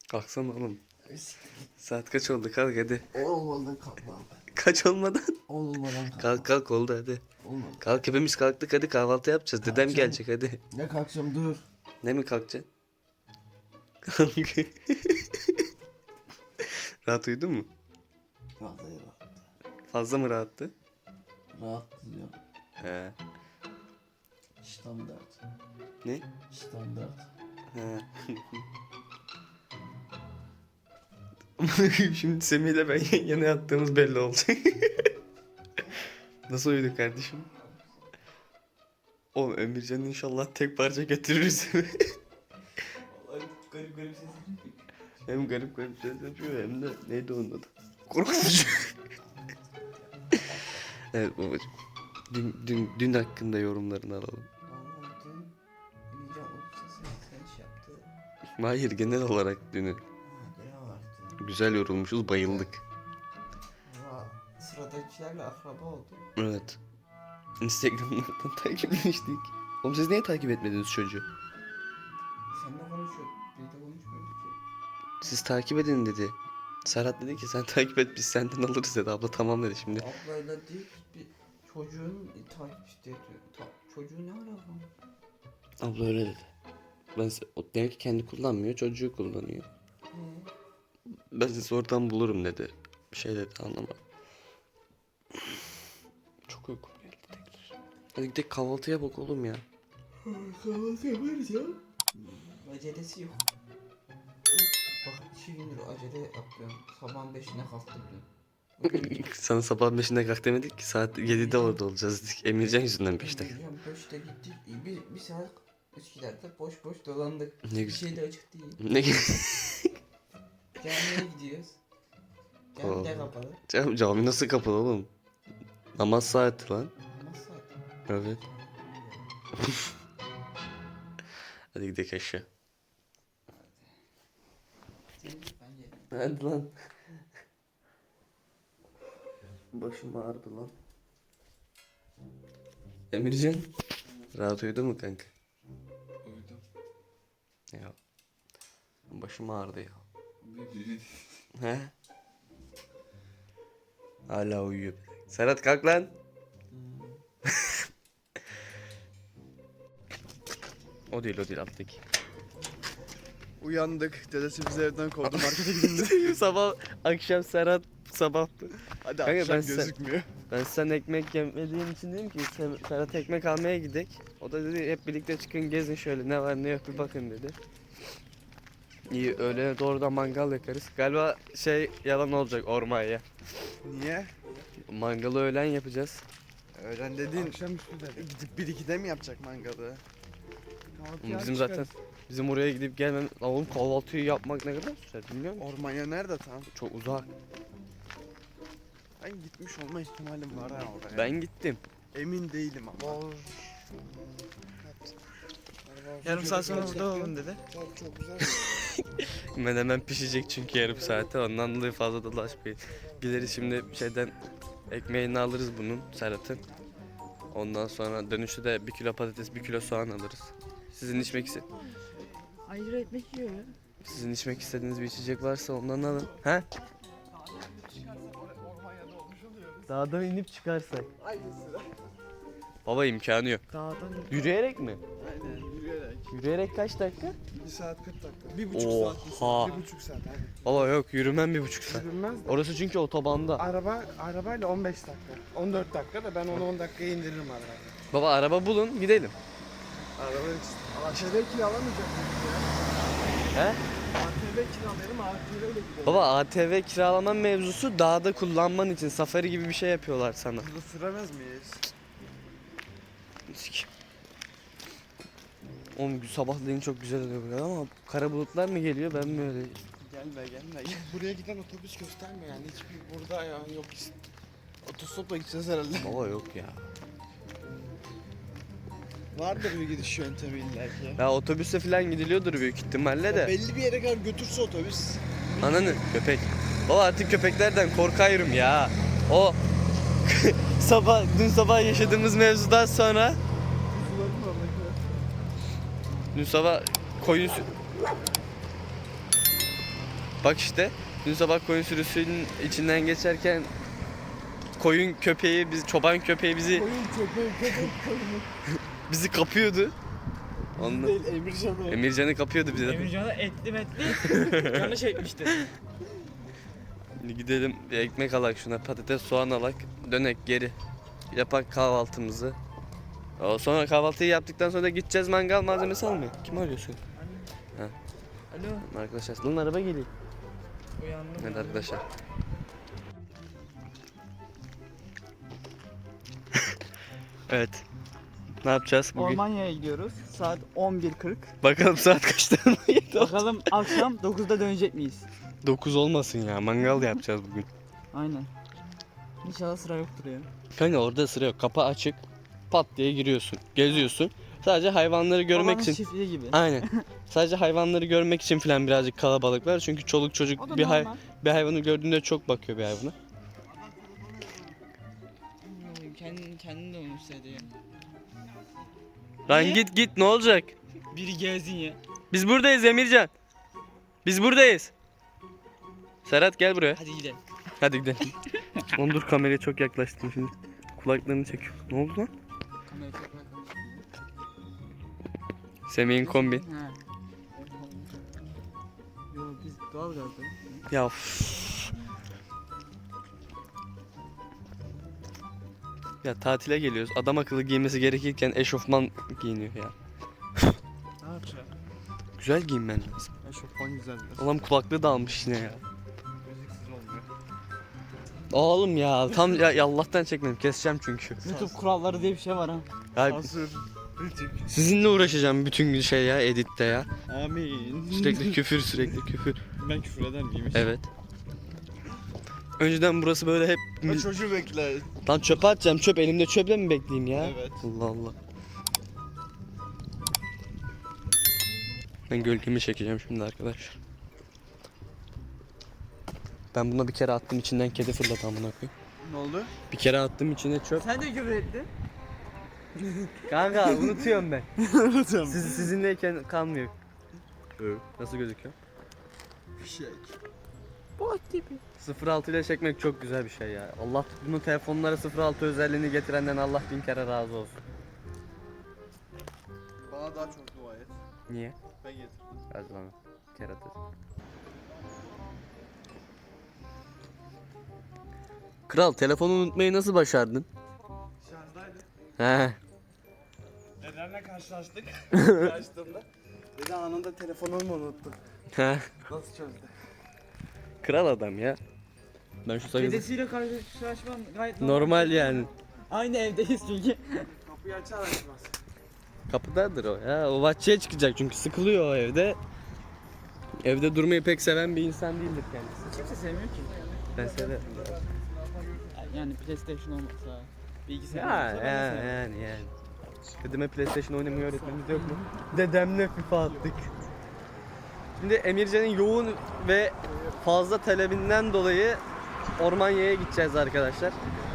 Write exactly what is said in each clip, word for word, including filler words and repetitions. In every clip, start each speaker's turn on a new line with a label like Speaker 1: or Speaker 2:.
Speaker 1: Kalksana oğlum. Saat kaç oldu, kalk hadi.
Speaker 2: On olmadan kalkmam ben.
Speaker 1: Kaç olmadan?
Speaker 2: On olmadan kalkmam.
Speaker 1: Kalk kalk oldu hadi.
Speaker 2: Olmadı.
Speaker 1: Kalk hepimiz kalktık hadi, kahvaltı yapacağız. Dedem
Speaker 2: Kalkacağım.
Speaker 1: gelecek hadi.
Speaker 2: Ne kalkacağım dur.
Speaker 1: Ne mi kalkacaksın? Kalk. Rahat uyudun mu?
Speaker 2: Rahat rahat.
Speaker 1: Fazla mı rahattı?
Speaker 2: Rahat diyor.
Speaker 1: He.
Speaker 2: Standart.
Speaker 1: Ne?
Speaker 2: Standart.
Speaker 1: He. Şimdi Semih ile ben yan yana yattığımız belli olacak. Nasıl uyuduk kardeşim? Oğlum Emircan inşallah tek parça getiririz.
Speaker 2: Vallahi garip garip sesler.
Speaker 1: Hem garip garip ses yapıyor hem de neydi onun adı? Korkutucu. Evet babacığım. Dün, dün, dün hakkında yorumlarını alalım.
Speaker 2: Vallahi dün Emircan o sesi sen şey yaptı.
Speaker 1: Hayır, genel olarak dünü.
Speaker 2: Ha genel olarak dün.
Speaker 1: Güzel yorulmuşuz, bayıldık.
Speaker 2: Valla sıradakilerle akraba oldu.
Speaker 1: Evet. Instagram'dan takipleştik. Oğlum siz niye takip etmediniz çocuğu?
Speaker 2: Seninle konuşuyorduk. Bir de konuşmuyorduk ki.
Speaker 1: Siz takip edin dedi. Serhat dedi ki sen takip et biz senden alırız dedi. Abla tamam dedi şimdi.
Speaker 2: Ablayla değil bir çocuğun takipçi diyor. Ta, çocuğu ne alaka?
Speaker 1: Abla öyle dedi. Ben se- o demek ki kendi kullanmıyor, çocuğu kullanıyor.
Speaker 2: He.
Speaker 1: Ben sizi oradan bulurum dedi. Bir şey dedi, anlamadım. Çok uykum geldi tekrar. Hadi gidelim kahvaltıya bak oğlum ya.
Speaker 2: Kahvaltı yaparız ya. Acelesi yok. Bak iki gündür acele yapıyorum. Sabahın beşine kalktım dün.
Speaker 1: Sana sabah beşinde kalk demedik ki, saat yedide orada olacağız dedik. Emircan yüzünden beşte kalk.
Speaker 2: Emircan beşte gittik. Bir, bir saat Üsküdar'da boş boş dolandık.
Speaker 1: Ne
Speaker 2: Bir
Speaker 1: güzel.
Speaker 2: şey de açık değil.
Speaker 1: Ne
Speaker 2: Camiye gidiyoruz. Cami de kapalı.
Speaker 1: Cam, cami nasıl kapalı oğlum? Namaz saati lan.
Speaker 2: Namaz saati.
Speaker 1: Evet. Hadi gidelim aşağı.
Speaker 2: Sen git, ben yedim.
Speaker 1: Hadi lan. Başım ağrıdı lan. Emircan. Rahat uyudun mu kanka?
Speaker 2: Uyudum.
Speaker 1: Ya. Başım ağrıdı ya. He? Hala uyuyor. Serhat kalk lan. O değil o değil alttaki.
Speaker 3: Uyandık. Dedesi bizi evden kovdu. Markete gidildi.
Speaker 1: Sabah akşam Serhat sabahtı.
Speaker 3: Hadi
Speaker 1: Kanka
Speaker 3: akşam
Speaker 1: ben sen-
Speaker 3: gözükmüyor.
Speaker 1: Ben sen ekmek yemediğin için dedim ki Ser- Serhat ekmek almaya gidek. O da dedi hep birlikte çıkın gezin şöyle ne var ne yok bir bakın dedi. İyi öyle doğrudan mangal yakarız. Galiba şey yalan olacak Ormanya.
Speaker 3: Niye?
Speaker 1: Mangalı öğlen yapacağız.
Speaker 3: Öğlen dediğin
Speaker 2: Akşamüstü dedim.
Speaker 3: gidip bir ikide mi yapacak mangalı?
Speaker 1: Bizim zaten bizim oraya gidip gelmem. Lan oğlum kahvaltıyı yapmak ne kadar sürer bilmiyor musun?
Speaker 3: Ormanya nerede tam?
Speaker 1: Çok uzak.
Speaker 3: Ben gitmiş olma ihtimalim var ha oraya.
Speaker 1: Ben gittim.
Speaker 3: Emin değilim ama.
Speaker 2: Yarım saat sonra burada olalım dedi.
Speaker 3: Çok, çok güzel.
Speaker 1: Menemen pişecek çünkü yarım saate. Ondan dolayı fazla dolaşmayın. Gideriz şimdi şeyden ekmeğini alırız bunun Serhat'ın. Ondan sonra dönüşte de bir kilo patates, bir kilo soğan alırız. Sizin içmek iste
Speaker 4: Ayrı ekmek yiyor ya.
Speaker 1: Sizin içmek istediğiniz bir içecek varsa ondan alın. He? Dağdan inip çıkarsak. Baba imkanı yok.
Speaker 4: Dağdan
Speaker 1: Yürüyerek mi?
Speaker 3: Aynen yürüyerek.
Speaker 1: Yürüyerek kaç dakika?
Speaker 3: bir saat kırk dakika. Bir buçuk
Speaker 1: Oha.
Speaker 3: saat. Bir, saat, bir buçuk saat hadi.
Speaker 1: Baba yok, yürümem bir buçuk saat.
Speaker 5: Bilmez.
Speaker 1: Orası çünkü otobanda.
Speaker 5: Araba arabayla on beş dakika. on dört dakika da ben onu on dakikaya indiririm arabayla.
Speaker 1: Baba araba bulun gidelim.
Speaker 3: Araba için.
Speaker 5: A T V kiralamayacak mıyız ya?
Speaker 1: He?
Speaker 5: A T V kiralayalım, A T V ile gidelim.
Speaker 1: Baba A T V kiralama mevzusu dağda kullanman için safari gibi bir şey yapıyorlar sana.
Speaker 3: Hızlı süremez miyiz?
Speaker 1: Sik. Oğlum sabahleyin çok güzel oluyor buraya ama kara bulutlar mı geliyor ben mi öyle?
Speaker 3: Gelme gelme. Gel. Buraya giden otobüs gösterme yani. Hiçbir burada ya yok. Otostopla gideceğiz herhalde.
Speaker 1: Baba yok ya.
Speaker 3: Vardır bir gidiş yöntemi illa ki.
Speaker 1: Ya otobüste falan gidiliyordur büyük ihtimalle de.
Speaker 3: Belli bir yere kadar götürse otobüs.
Speaker 1: Ananı köpek. Baba artık köpeklerden korkayım ya. O sabah dün sabah yaşadığımız mevzudan sonra dün sabah koyun sü- Bak işte dün sabah koyun sürüsünün içinden geçerken koyun köpeği, biz çoban köpeği bizi
Speaker 5: Koyun köpeği köpek koyunu.
Speaker 1: bizi kapıyordu. Ondan
Speaker 5: Değil Emircan'ı.
Speaker 1: Emircan'ı kapıyordu bize.
Speaker 6: Emircan'a etli metli canı çekmişti.
Speaker 1: Şimdi gidelim bir ekmek alak şuna, patates soğan alak, dönek geri. Yapak kahvaltımızı. O sonra kahvaltıyı yaptıktan sonra da gideceğiz mangal malzemesi almaya. Kim arıyorsun?
Speaker 6: Alo,
Speaker 1: Arkadaşlar lan araba geliyor.
Speaker 6: uyandım.
Speaker 1: Evet arkadaşlar. Evet. Ne yapacağız bugün?
Speaker 6: Almanya'ya gidiyoruz. Saat on bir kırk.
Speaker 1: Bakalım saat kaçta?
Speaker 6: Bakalım akşam dokuzda dönecek miyiz?
Speaker 1: dokuz olmasın ya. Mangal yapacağız bugün.
Speaker 6: Aynen. İnşallah sıra yoktur ya.
Speaker 1: Kanka orada sıra yok. Kapı açık. Pat diye giriyorsun. Geziyorsun. Sadece hayvanları görmek
Speaker 6: Babanın
Speaker 1: için.
Speaker 6: çiftliği gibi.
Speaker 1: Aynen. Sadece hayvanları görmek için falan birazcık kalabalık var. Çünkü çoluk
Speaker 6: O
Speaker 1: çocuk
Speaker 6: da
Speaker 1: bir, hay
Speaker 6: normal.
Speaker 1: bir hayvanı gördüğünde çok bakıyor bir hayvana.
Speaker 6: Kendin, kendin de olmuş ya.
Speaker 1: Lan
Speaker 6: Niye?
Speaker 1: git git ne olacak?
Speaker 6: Biri gezsin ya.
Speaker 1: Biz buradayız Emircan. Biz buradayız. Serhat gel buraya.
Speaker 6: Hadi gidelim.
Speaker 1: Hadi gidelim. Oğlum dur kameraya çok yaklaştım şimdi. Kulaklarını çekiyor. Ne oldu lan?
Speaker 6: Kamerayı tekrar koy.
Speaker 1: Semih'in kombi.
Speaker 6: Ha. Yo biz doğal gazda.
Speaker 1: Ya üf. Ya tatile geliyoruz. Adam akıllı giymesi gerekirken eşofman giyiniyor ya.
Speaker 5: Ne yapacağım?
Speaker 1: Güzel giyinmen lazım.
Speaker 5: Eşofman güzel biraz.
Speaker 1: Adam kulaklığı da almış yine ya.
Speaker 5: Müziksiz olmuyor.
Speaker 1: Oğlum ya tam ya, ya Allah'tan çekmedim. Keseceğim çünkü.
Speaker 6: YouTube kuralları diye bir şey var ha.
Speaker 1: Ya,
Speaker 5: Sansür. Rütük.
Speaker 1: sizinle uğraşacağım bütün gün şey ya editte ya.
Speaker 5: Amin.
Speaker 1: Sürekli küfür sürekli küfür.
Speaker 5: Ben küfür eder miyim?
Speaker 1: Evet. Önceden burası böyle hep...
Speaker 5: Ben çocuğu bekle.
Speaker 1: Lan çöpe atacağım çöp elimde çöple mi bekleyeyim ya?
Speaker 5: Evet.
Speaker 1: Allah Allah. Ben gölgemi çekeceğim şimdi arkadaşlar. Ben buna bir kere attım içinden kedi fırladı amına koyayım.
Speaker 5: Ne oldu?
Speaker 1: Bir kere attım içine çöp.
Speaker 6: Sen de küfür ettin.
Speaker 1: Kanka unutuyorum ben.
Speaker 5: Unutuyorum.
Speaker 1: Siz, sizinleyken kalmıyor. Nasıl gözüküyor?
Speaker 5: Fişek.
Speaker 6: Bot gibi.
Speaker 1: sıfır altı ile çekmek çok güzel bir şey ya. Allah bunu telefonlara sıfır altı özelliğini getirenden Allah bin kere razı olsun.
Speaker 5: Bana daha çok dua et.
Speaker 1: Niye?
Speaker 5: Ben getirdim.
Speaker 1: Hadi lan. Kerata. Kral telefonu unutmayı nasıl başardın?
Speaker 5: Şarjdaydı.
Speaker 1: He.
Speaker 5: Nedenle karşılaştık. Açtığımda. Dedi anında telefonumu unuttum.
Speaker 1: He.
Speaker 5: Nasıl çözdü?
Speaker 1: Kral adam ya. Ben şu sayısı
Speaker 6: Dedesiyle karşılaşman gayet
Speaker 1: normal yani.
Speaker 6: Aynı evdeyiz çünkü.
Speaker 5: Kapıyı açar açmaz.
Speaker 1: Kapıdadır o ya. O bahçeye çıkacak çünkü sıkılıyor o evde. Evde durmayı pek seven bir insan değildir kendisi.
Speaker 6: Kimse sevmiyor ki.
Speaker 1: Ben severim.
Speaker 6: Yani PlayStation olmasa, bilgisayar
Speaker 1: Ya
Speaker 6: olmasa ben de
Speaker 1: yani
Speaker 6: severim.
Speaker 1: yani yani. Dedeme PlayStation oynamayı öğretmemiz yok mu? Dedemle FIFA attık. Şimdi Emircan'ın yoğun ve fazla talebinden dolayı Ormanya'ya gideceğiz arkadaşlar.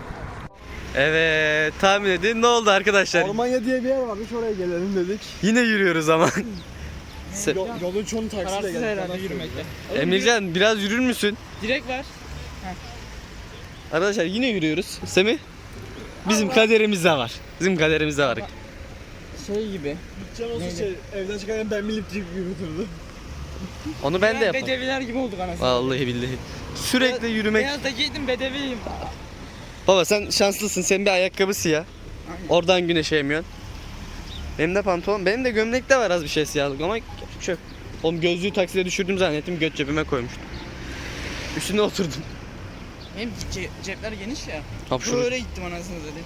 Speaker 1: Evet, tahmin edin ne oldu arkadaşlar?
Speaker 5: Almanya diye bir yer varmış oraya gelelim dedik.
Speaker 1: Yine yürüyoruz ama. Se-
Speaker 5: Yol, yolun çoğunu taksiyle
Speaker 6: Kararsız
Speaker 5: geldik.
Speaker 6: herhalde yürümekte. Oğlum
Speaker 1: Emircan biraz yürür müsün?
Speaker 6: yürü- Direkt ver.
Speaker 1: Arkadaşlar yine yürüyoruz. Semih? Bizim kaderimizde var. Bizim kaderimizde var.
Speaker 6: Şey gibi.
Speaker 5: Can olsa
Speaker 6: Neydi?
Speaker 5: şey, evden çıkarken ben milip gibi yürütürdü.
Speaker 1: Onu ben de yaparım.
Speaker 6: Bedeviler gibi olduk anasını.
Speaker 1: Vallahi billahi. Sürekli yürümek.
Speaker 6: Beyaz da giydim bedeviyim.
Speaker 1: Baba sen şanslısın. Senin bir ayakkabı siyah.
Speaker 6: Aynen.
Speaker 1: Oradan güneşe yemiyorsun. Benim de pantolon. Benim de gömlekte var az bir şey siyahlık ama çok. Oğlum gözlüğü takside düşürdüm zannettim. Göt cebime koymuştum. Üstüne oturdum.
Speaker 6: Benim ce- cepler geniş ya.
Speaker 1: Hapşuruk.
Speaker 6: Böyle gittim anasını dedi.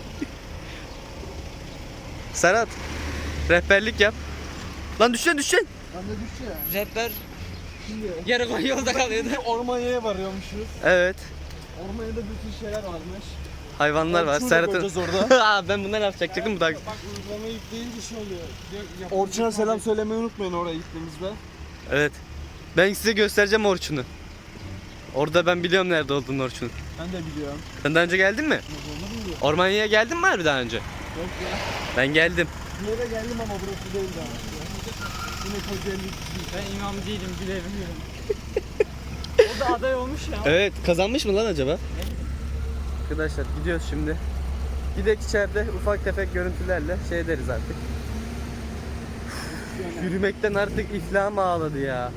Speaker 1: Serhat. Rehberlik yap. Lan düşeceksin düşeceksin.
Speaker 5: Ben de düştü ya.
Speaker 6: Cepler
Speaker 5: Şimdi
Speaker 6: yarı koy yolda kalıyordu.
Speaker 5: Ormanya'ya varıyormuşuz.
Speaker 1: Evet.
Speaker 5: Ormanya'da bütün şeyler varmış.
Speaker 1: Hayvanlar var.
Speaker 5: Orçun'u da
Speaker 1: Serhat'ın.
Speaker 5: koyacağız orada.
Speaker 1: Aa, ben bundan yapacaktım bu da.
Speaker 5: Bak uygulamayı yükleyince şey oluyor. Orçun'a selam söylemeyi unutmayın oraya gittiğimizde.
Speaker 1: Evet. Ben size göstereceğim Orçun'u. Orada ben biliyorum nerede olduğunu Orçun'un.
Speaker 5: Ben de biliyorum.
Speaker 1: Sen daha önce geldin mi?
Speaker 5: Onu biliyorum.
Speaker 1: Ormanya'ya geldin mi harbi daha önce?
Speaker 5: Yok ya.
Speaker 1: Ben geldim.
Speaker 5: Bir yere geldim ama burası değil daha. Yine Kocaeli.
Speaker 6: Ben imam değilim bilemiyorum. Kız da aday olmuş ya.
Speaker 1: Evet, kazanmış mı lan acaba? Arkadaşlar gidiyoruz şimdi. Gidek içeride ufak tefek görüntülerle şey deriz artık. Üf, yürümekten artık iflahım ağladı ya.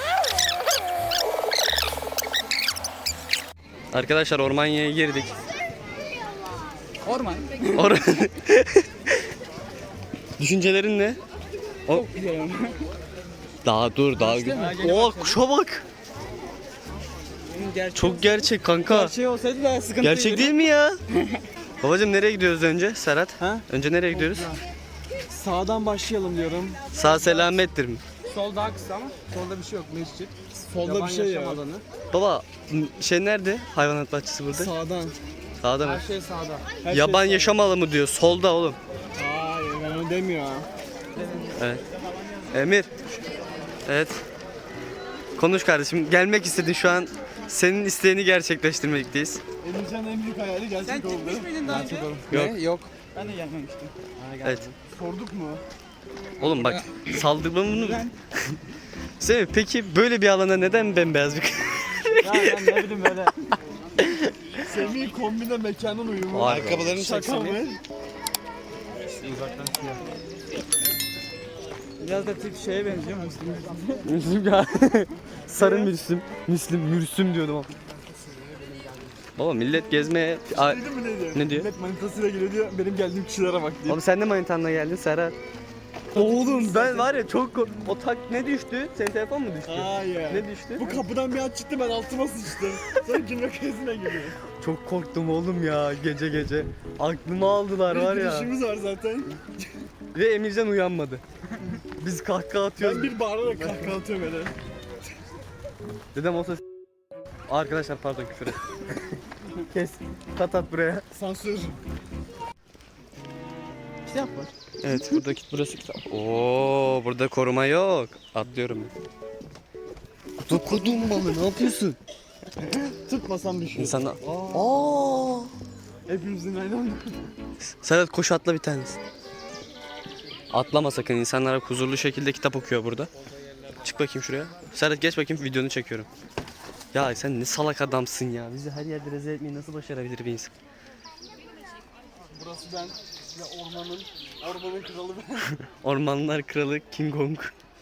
Speaker 1: Arkadaşlar Ormanya'ya girdik.
Speaker 6: Orman.
Speaker 1: Or Düşüncelerin ne? O
Speaker 6: Çok güzel ama.
Speaker 1: daha dur daha güzel. Oo kuşa bak.
Speaker 6: Gerçek,
Speaker 1: Çok gerçek kanka.
Speaker 6: gerçek olsaydı daha sıkıntı
Speaker 1: Gerçek değil mi ya? Babacım nereye gidiyoruz önce Serhat?
Speaker 5: Ha?
Speaker 1: Önce nereye gidiyoruz?
Speaker 5: Sağdan başlayalım diyorum.
Speaker 1: Sağ selamettir mi?
Speaker 5: Sol daha kısa ama solda bir şey yok mescit.
Speaker 3: Solda
Speaker 5: Yaban
Speaker 3: bir şey
Speaker 5: yaşam
Speaker 3: ya.
Speaker 5: alanı.
Speaker 1: Baba şey nerede? Hayvanat bahçesi burada.
Speaker 3: Sağdan.
Speaker 1: Sağda mı?
Speaker 5: Her şey sağda.
Speaker 3: Her
Speaker 1: Yaban
Speaker 3: şey
Speaker 1: yaşam alanı mı diyor? Solda oğlum.
Speaker 3: sağ. Hayır ben onu demiyor ha.
Speaker 1: Evet. Emir. Evet. Konuş kardeşim. Gelmek istedin şu an. Senin isteğini gerçekleştirmekteyiz.
Speaker 3: Emircan en büyük hayali gerçek
Speaker 6: Sen
Speaker 3: oldu.
Speaker 6: gitmiş miydin daha önce?
Speaker 1: Yok.
Speaker 3: Ne? Yok.
Speaker 6: Ben de gelmemiştim.
Speaker 1: Evet.
Speaker 3: Sorduk mu?
Speaker 1: Oğlum bak saldırmamı... Semih peki böyle bir alana neden bembeyaz bir...
Speaker 6: Ya ben ne bileyim böyle.
Speaker 3: Semih kombine mekanın uyumu.
Speaker 1: Vay be.
Speaker 3: Ayakkabılarını
Speaker 5: Şaka mı?
Speaker 6: Biraz da tip şeye benziyor Müslüm.
Speaker 1: Müslüm ya. Sarı Müslüm. Müslüm, Mürsüm diyordum ama. Baba millet gezmeye... A-
Speaker 3: Duydun mu ne diyor?
Speaker 1: Ne diyor?
Speaker 3: Millet manitasıyla geliyor diyor. Benim geldiğim kişilere bak diyor.
Speaker 1: Oğlum sen de manitanla geldin Serhat. Oğlum ben var ya çok kork- O tak ne düştü? Senin telefon mu düştü?
Speaker 3: Hayır.
Speaker 1: Ne düştü?
Speaker 3: Bu kapıdan bir an çıktı ben altıma sıçtım. Sonra gülme krizine giriyor.
Speaker 1: Çok korktum oğlum ya gece gece. Aklımı aldılar var
Speaker 3: Bir
Speaker 1: ya.
Speaker 3: işimiz var zaten.
Speaker 1: Ve Emircan uyanmadı. Biz kahkaha atıyoruz.
Speaker 3: Ben bir bağırarak kahkaha atıyorum öyle.
Speaker 1: Dedem olsa s- Arkadaşlar pardon küfür et. Kes. Kat at buraya.
Speaker 3: Sansür.
Speaker 6: Kitap var.
Speaker 1: Evet buradaki burası kitap. Oo burada koruma yok. Atlıyorum. Dokudum malı ne yapıyorsun?
Speaker 3: Tutmasam düşüyor.
Speaker 1: İnsanlar... Aa.
Speaker 3: Hepimizin aynı anda.
Speaker 1: Serhat koş atla bir tanesi. Atlama sakın. İnsanlara huzurlu şekilde kitap okuyor burada. Çık bakayım şuraya. Serhat geç bakayım videonu çekiyorum. Ya sen ne salak adamsın ya. Bizi her yerde rezil etmeyi nasıl başarabilir bir insan?
Speaker 3: Burası ben ve ormanın, ormanın kralı ben.
Speaker 1: Ormanlar kralı King Kong.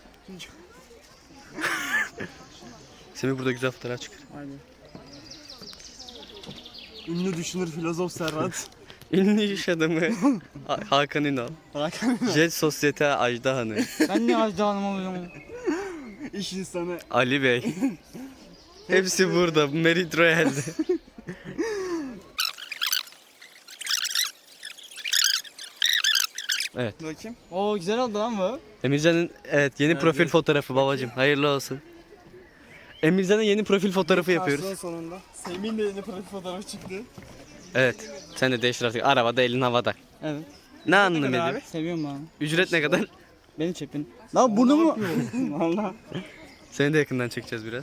Speaker 1: Semih burada güzel fotoğraf çıkar.
Speaker 6: Aynen.
Speaker 3: Ünlü düşünür filozof Serhat.
Speaker 1: Ünlü iş adamı Ha- Hakan Ünal.
Speaker 3: Hakan
Speaker 1: Jet Sosyete Ajda Hanım.
Speaker 6: Ben niye Ajda Hanım oluyorum?
Speaker 3: iş insanı.
Speaker 1: Ali Bey. Hepsi burada. Merit Royal'de. Evet.
Speaker 3: Bakayım.
Speaker 6: Oo güzel oldu lan bu.
Speaker 1: Emircan'ın evet yeni profil fotoğrafı babacım. Hayırlı olsun. Emircan'ın yeni profil fotoğrafı yapıyoruz.
Speaker 3: Karşılığın sonunda. Semih'in de yeni profil fotoğrafı çıktı.
Speaker 1: Evet. Sen de değiştir artık. Arabada elin havada.
Speaker 6: Evet.
Speaker 1: Ne anlam ediyor?
Speaker 6: Seviyorum ben.
Speaker 1: Ücret ne kadar?
Speaker 6: Beni çepin. Lan bunu mu? Valla.
Speaker 1: Seni de yakından çekeceğiz biraz.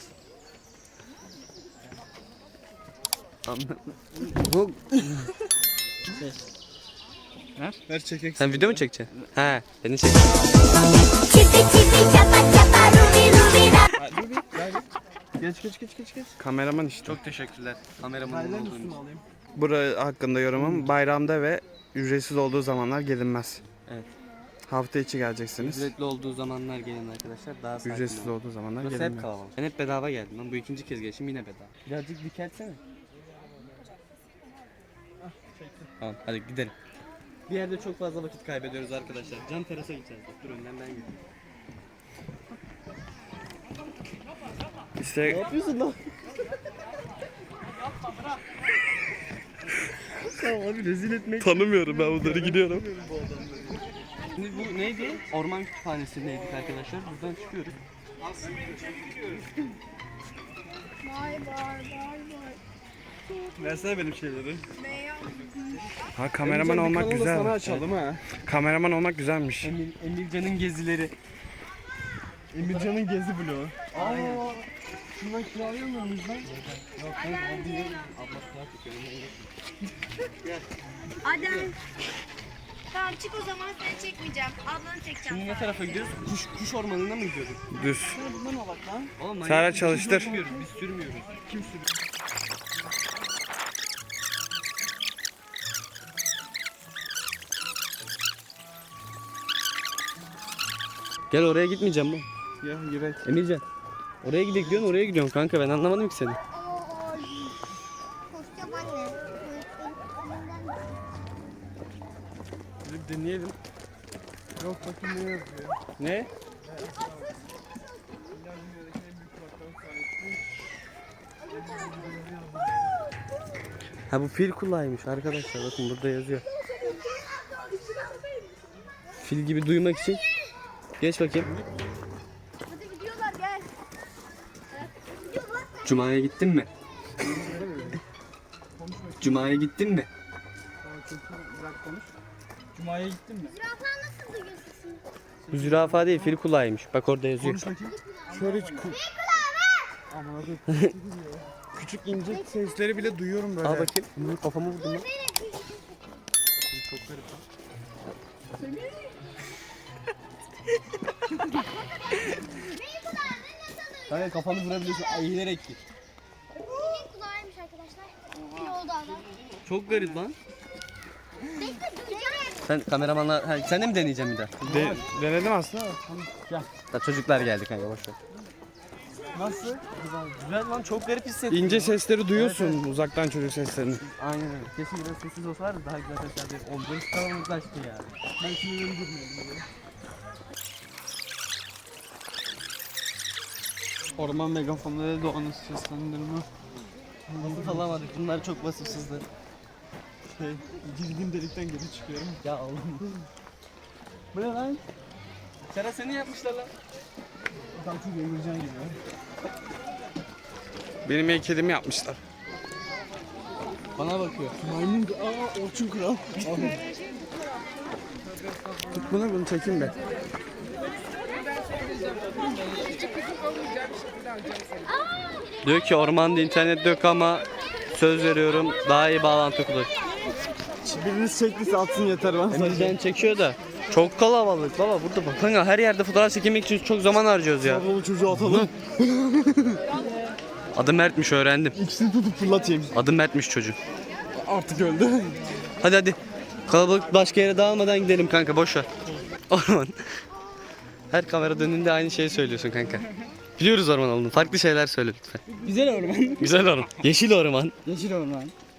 Speaker 1: Anla- Bu
Speaker 3: Ver çekek.
Speaker 1: sen video mu çekeceksin? He, beni çek.
Speaker 7: Chipi chipi chapa chapa rubi rubi ra.
Speaker 3: Geç geç geç geç geç.
Speaker 5: Kameraman işte.
Speaker 1: Çok teşekkürler. Kameramanın olduğun için.
Speaker 5: Bura hakkında yorumum bayramda ve ücretsiz olduğu zamanlar gelinmez.
Speaker 1: Evet.
Speaker 5: Hafta içi geleceksiniz.
Speaker 1: Ücretli olduğu zamanlar gelin arkadaşlar. Daha sakin
Speaker 5: Ücretsiz
Speaker 1: olun.
Speaker 5: olduğu zamanlar
Speaker 1: Burası hep
Speaker 5: gelinmez.
Speaker 1: kalabalık. Ben hep bedava geldim lan. Bu ikinci kez gelişim yine bedava. Birazcık dikeltsene. Tamam hadi gidelim. Bir yerde çok fazla vakit kaybediyoruz arkadaşlar. Can terasa gideceğiz. Dur önden ben gidiyorum.
Speaker 5: İşte
Speaker 1: yapıyorsun lan?
Speaker 5: tamam abi rezil etmek.
Speaker 1: Tanımıyorum ben bunları gidiyorum. Şimdi bu neydi? Orman kütüphanesindeydik arkadaşlar. Buradan çıkıyoruz.
Speaker 7: Vay vay vay vay.
Speaker 3: Versene benim şeyleri.
Speaker 5: Ha kameraman olmak
Speaker 3: Kanalı da
Speaker 5: güzel.
Speaker 3: sana açalım ha.
Speaker 5: Kameraman olmak güzelmiş.
Speaker 1: Emir, Emircan'ın gezileri.
Speaker 3: Emircan'ın gezi vlogu. Aa. Şundan kiralayamıyor muyuz lan?
Speaker 7: Adem. Tamam çık o zaman seni çekmeyeceğim. Ablanı çekeceğim.
Speaker 1: Şimdi ne tarafa gidiyoruz? Kuş, kuş ormanına mı gidiyorduk?
Speaker 5: Düz.
Speaker 6: Buna bak lan.
Speaker 1: Oğlum,
Speaker 5: Serhat
Speaker 1: manyak, biz
Speaker 5: çalıştır.
Speaker 1: sürmüyoruz, Biz sürmüyoruz. Kim sürüyor? Gel oraya gitmeyeceğim bu.
Speaker 5: Ya yürek.
Speaker 1: Emircan. Oraya gidelim diyorsun, oraya gidiyorsun kanka. Ben anlamadım ki seni.
Speaker 7: Koşacağım anne.
Speaker 5: Bir deneyelim. Yok bakayım ne yazıyor.
Speaker 1: Ne? Ha bu fil kulağıymış arkadaşlar. Bakın burada yazıyor. Fil gibi duymak için. Geç bakayım.
Speaker 7: Hadi gidiyorlar gel.
Speaker 1: Cuma'ya gittin mi? Cuma'ya gittin mi?
Speaker 6: Cuma'ya gittin mi?
Speaker 7: Zürafa nasıl duyuyor sesini?
Speaker 1: Bu zürafa değil, fil kulağıymış. Bak orada yazıyor.
Speaker 5: Şöyle hiç ku... Anladım. Küçük ince sesleri bile duyuyorum böyle.
Speaker 1: Al bakayım. Bunu kafamı vurdum lan.
Speaker 5: Çok garip.
Speaker 1: Kanka kafanı vurabiliyorsun. Eğilerek git.
Speaker 7: Benim kulağıymış arkadaşlar. Bir oldu adam.
Speaker 1: Çok garip lan.
Speaker 7: Bekle duyacağım.
Speaker 1: Sen kameramanla... Ha, sen de mi deneyeceksin bir daha?
Speaker 5: De, denedim aslında.
Speaker 1: Ya çocuklar geldi kanka boş ver.
Speaker 5: Nasıl?
Speaker 1: Güzel, güzel lan, çok garip hissettim.
Speaker 5: İnce sesleri duyuyorsun uzaktan çocuk seslerini.
Speaker 1: Aynen öyle. Kesin biraz sessiz olsalardı daha güzel sesler değil. Oğlum burası kalabalıklaştı ya. Ben şimdi öyle girmeyelim.
Speaker 6: Orman megafonları doğanın seslendirme.
Speaker 1: Nasıl alamadık? Bunlar çok vasıfsızdı.
Speaker 5: Şey, girdiğim delikten geri çıkıyorum.
Speaker 1: Ya oğlum. Bu ne lan? Serhat seni yapmışlar lan.
Speaker 5: Tam çok Emircan gibi. Benim heykelimi yapmışlar.
Speaker 1: Bana bakıyor.
Speaker 5: Maymun, aa Orçun Kral. Tut bunu, bunu çekeyim be.
Speaker 1: Diyor ki ormanda internet yok ama söz veriyorum daha iyi bağlantı kurulur.
Speaker 5: Biriniz çektiyse atsın yeter bana.
Speaker 1: Emircan çekiyor da çok kalabalık baba burada bak. Kanka her yerde fotoğraf çekmek için çok zaman harcıyoruz ya.
Speaker 5: Kablolu çocuğu atalım.
Speaker 1: Adı Mert'miş öğrendim.
Speaker 5: İkisini tutup fırlatayım.
Speaker 1: Adı Mert'miş çocuk.
Speaker 5: Artık öldü.
Speaker 1: Hadi hadi. Kalabalık başka yere dağılmadan gidelim kanka boş ver. Orman. Her kamera dönünde aynı şeyi söylüyorsun kanka. Biliyoruz orman olduğunu. Farklı şeyler söyle lütfen.
Speaker 6: Güzel orman.
Speaker 1: Güzel orman. Yeşil orman.
Speaker 6: Yeşil orman.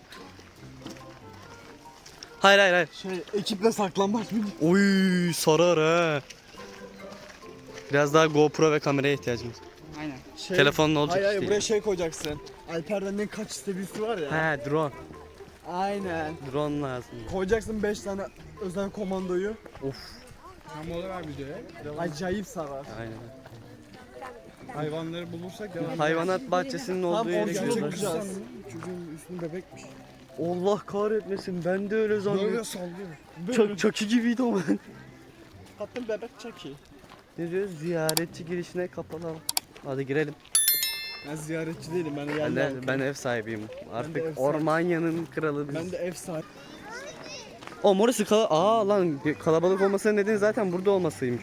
Speaker 1: Hayır hayır hayır.
Speaker 5: Şey, ekiple saklambaç mı?
Speaker 1: Oy sarar ha. Biraz daha GoPro ve kameraya ihtiyacımız.
Speaker 6: Aynen.
Speaker 5: Şey,
Speaker 1: Telefonla olacak
Speaker 5: Hayır hayır,
Speaker 1: işte.
Speaker 5: buraya şey koyacaksın. Alper'den ne kaç seviyesi var ya.
Speaker 1: He drone.
Speaker 5: Aynen.
Speaker 1: Drone lazım.
Speaker 5: Koyacaksın beş tane özel komandoyu.
Speaker 1: Of.
Speaker 5: Tam mola ver videoya. Acayip sarar.
Speaker 1: Aynen.
Speaker 5: Hayvanları bulursak devam.
Speaker 1: Hayvanat bahçesinin
Speaker 5: Tam
Speaker 1: olduğu yere
Speaker 5: orada
Speaker 1: gidiyoruz.
Speaker 5: çekeceğiz. Çocuğun üstünde bebekmiş.
Speaker 1: Allah kahretmesin ben de öyle
Speaker 5: Böyle
Speaker 1: zannettim.
Speaker 5: sallıyor.
Speaker 1: Çok çok iyi gibiydi o ben.
Speaker 5: Hatta bebek çok iyi.
Speaker 1: Ne diyoruz? Ziyaretçi girişine kapalı. Hadi girelim.
Speaker 5: Ben ziyaretçi değilim, ben de
Speaker 1: Ben
Speaker 5: yerli
Speaker 1: de,
Speaker 5: halkım.
Speaker 1: ben ev sahibiyim. Artık
Speaker 5: ev sahibi.
Speaker 1: Ormanya'nın kralı biz.
Speaker 5: Ben de ev sahibi.
Speaker 1: O orası kala Aa lan kalabalık olmasının nedeni zaten burada olmasıymış.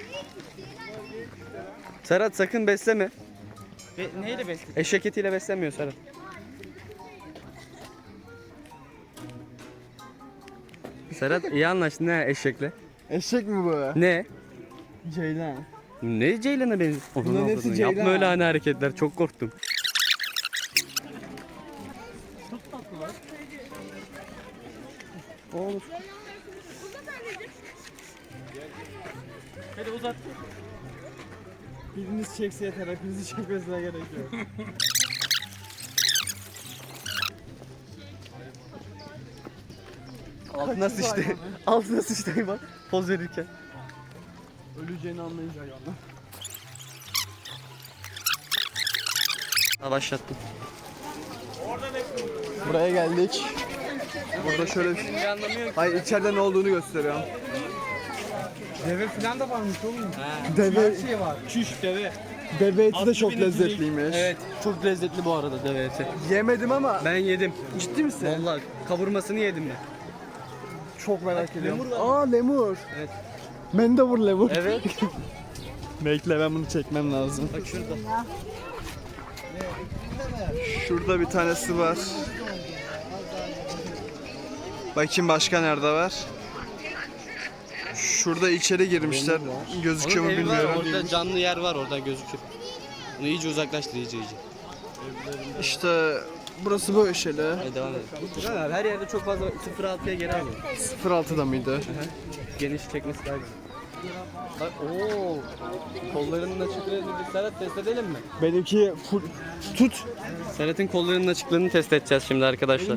Speaker 1: Serhat sakın besleme.
Speaker 6: Be neyle besledin?
Speaker 1: Eşek etiyle beslemiyor Serhat. Serhat iyi anlaştın ha eşekle.
Speaker 5: Eşek mi bu?
Speaker 1: Ne?
Speaker 5: Ceylan.
Speaker 1: Ne Ceylan'a benziyor?
Speaker 5: Bunların
Speaker 1: Onu
Speaker 5: hepsi
Speaker 1: avradını.
Speaker 5: Ceylan.
Speaker 1: Yapma öyle hani hareketler çok korktum. Olur.
Speaker 6: Hadi uzat.
Speaker 5: Biriniz çekse yeter, hepinizi çekmesine gerek yok.
Speaker 1: Altına sıçtı. Altına sıçtı bak poz verirken.
Speaker 5: Öleceğini anlayınca hayvanlar.
Speaker 1: Ha, başlattım.
Speaker 5: Buraya geldik. Burada şöyle bir şey. Hayır, içeride ne olduğunu gösteriyorum. Deve falan da varmış oğlum. Deve,
Speaker 6: Şey var. Çüş deve.
Speaker 5: deve eti de
Speaker 6: Atlı
Speaker 5: çok
Speaker 6: bile direkt-
Speaker 5: lezzetliymiş.
Speaker 1: Evet çok lezzetli bu arada deve eti.
Speaker 5: Yemedim ama
Speaker 1: Ben yedim.
Speaker 5: ciddi misin?
Speaker 1: Vallahi kavurmasını yedim ben.
Speaker 5: Çok merak ediyorum. Aa lemur. Evet. Mendebur lemur.
Speaker 6: Evet.
Speaker 5: Bekle ben bunu çekmem lazım.
Speaker 6: Bak şurada.
Speaker 5: Şurada bir tanesi var. Bakayım başka nerede var? Şurada içeri girmişler. Gözüküyor mu
Speaker 6: Onun evi var,
Speaker 5: bilmiyorum.
Speaker 6: orada canlı yer var, oradan gözükür. Onu iyice uzaklaştır, iyice iyice.
Speaker 5: İşte burası böyle şeyler.
Speaker 6: Hadi devam edelim. Burhan abi her yerde çok fazla sıfır altıya geri alıyor.
Speaker 5: sıfır altıda mıydı?
Speaker 6: Geniş çekmesi daha güzel. Bak ooo. Kollarının açıklığını bir Serhat test edelim mi?
Speaker 5: Benimki full tut.
Speaker 6: Serhat'ın kollarının açıklığını test edeceğiz şimdi arkadaşlar.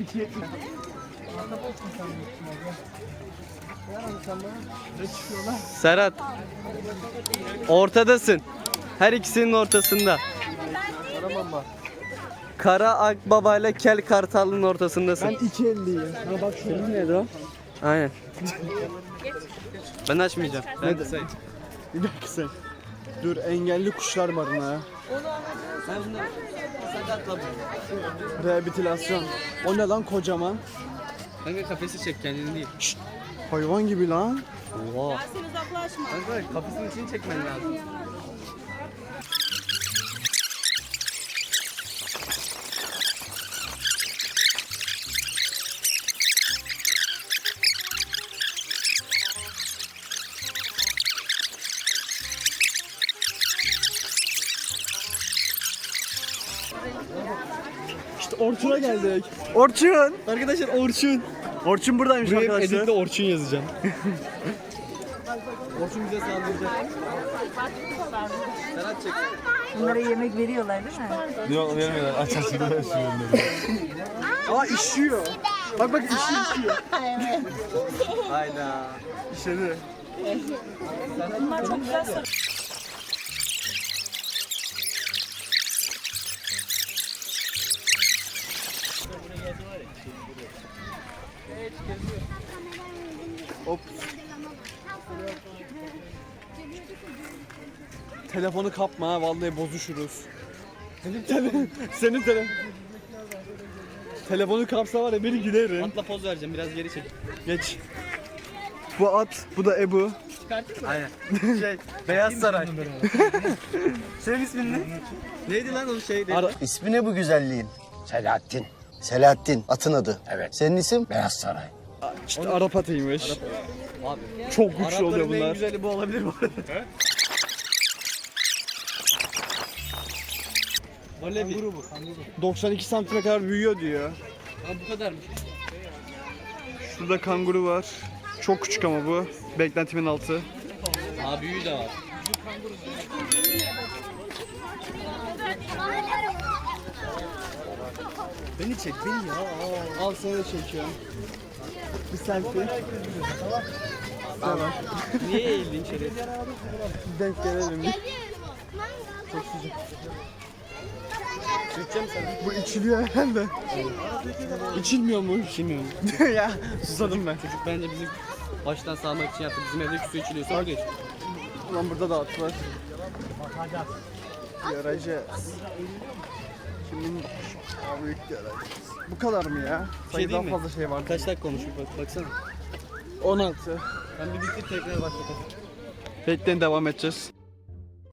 Speaker 6: Serhat. Ortadasın. Her ikisinin ortasında. Kara akbaba ile kel kartalın ortasındasın.
Speaker 5: Ben iki elliyim. Ha bak şurada.
Speaker 6: Neydi o? Aynen. Ben açmayacağım. Ben kısayım.
Speaker 5: Bir dakika sen. Dur engelli kuşlar barınağı.
Speaker 6: Sen bunları sakatla bu.
Speaker 5: Rehabilitasyon. O ne lan kocaman?
Speaker 6: Kanka kafesi çek kendini değil.
Speaker 5: Hayvan gibi lan.
Speaker 6: Oha. Sen uzaklaşma. Kanka kafesinin içini çekmen lazım.
Speaker 5: İşte Orçun'a geldik. Orçun.
Speaker 6: Arkadaşlar Orçun.
Speaker 5: Orçun buradaymış
Speaker 6: Buraya
Speaker 5: arkadaşlar.
Speaker 6: editle Orçun yazacağım. Orçun bize saldıracak. Serhat çek.
Speaker 4: Bunlara yemek veriyorlar değil mi?
Speaker 8: Yok vermiyorlar. Aç aç da
Speaker 5: Aa işiyor. Bak bak işiyor işiyor.
Speaker 6: Hayda.
Speaker 5: İşedi.
Speaker 4: Bunlar çok güzel sarı.
Speaker 5: Hop. Telefonu kapma ha vallahi bozuşuruz. Senin telefon. Senin telefon. Telefonu kapsa var ya beni giderim.
Speaker 6: Atla poz vereceğim biraz geri çek.
Speaker 5: Geç. Bu at, bu da Ebu.
Speaker 6: Aynen. Şey Beyaz Saray. Senin ismin ne? Neydi lan o şey?
Speaker 5: Ara-
Speaker 9: İsmi ne bu güzelliğin? Selahattin. Selahattin, atın adı. Evet. Senin isim? Beyaz Saray.
Speaker 5: İşte Arap atıymış.
Speaker 6: Abi.
Speaker 5: Çok güçlü oluyor
Speaker 6: Arapların en
Speaker 5: bunlar.
Speaker 6: güzeli bu olabilir bu arada. Böyle bir.
Speaker 5: doksan iki santime kadar büyüyor diyor.
Speaker 6: Ha bu kadarmış.
Speaker 5: Şurada kanguru var. Çok küçük ama bu. Beklentimin altı.
Speaker 6: Aa büyüğü de var. Beni çek beni ya.
Speaker 5: Al seni de çekiyorum. Bir selfie. Tamam.
Speaker 6: Niye eğildin içeri?
Speaker 5: Denk gelelim.
Speaker 6: Sürteceğim sana.
Speaker 5: Bu içiliyor herhalde.
Speaker 6: İçilmiyor mu? İçilmiyorum.
Speaker 5: Ya susadım ben.
Speaker 6: Çocuk bence bizi baştan sağlamak için yaptı. Bizim evdeki su içiliyor. Sonra geç.
Speaker 5: Ulan burada da at var. Göreceğiz. Kimin Aa, büyük göreceğiz. Bu kadar mı ya? Sayı daha
Speaker 6: mi?
Speaker 5: fazla şey var.
Speaker 6: Kaç dakika konuşuyor bak baksana.
Speaker 5: on altı.
Speaker 6: Ben bir bitir tekrar başlatalım.
Speaker 5: Bekleyin devam edeceğiz.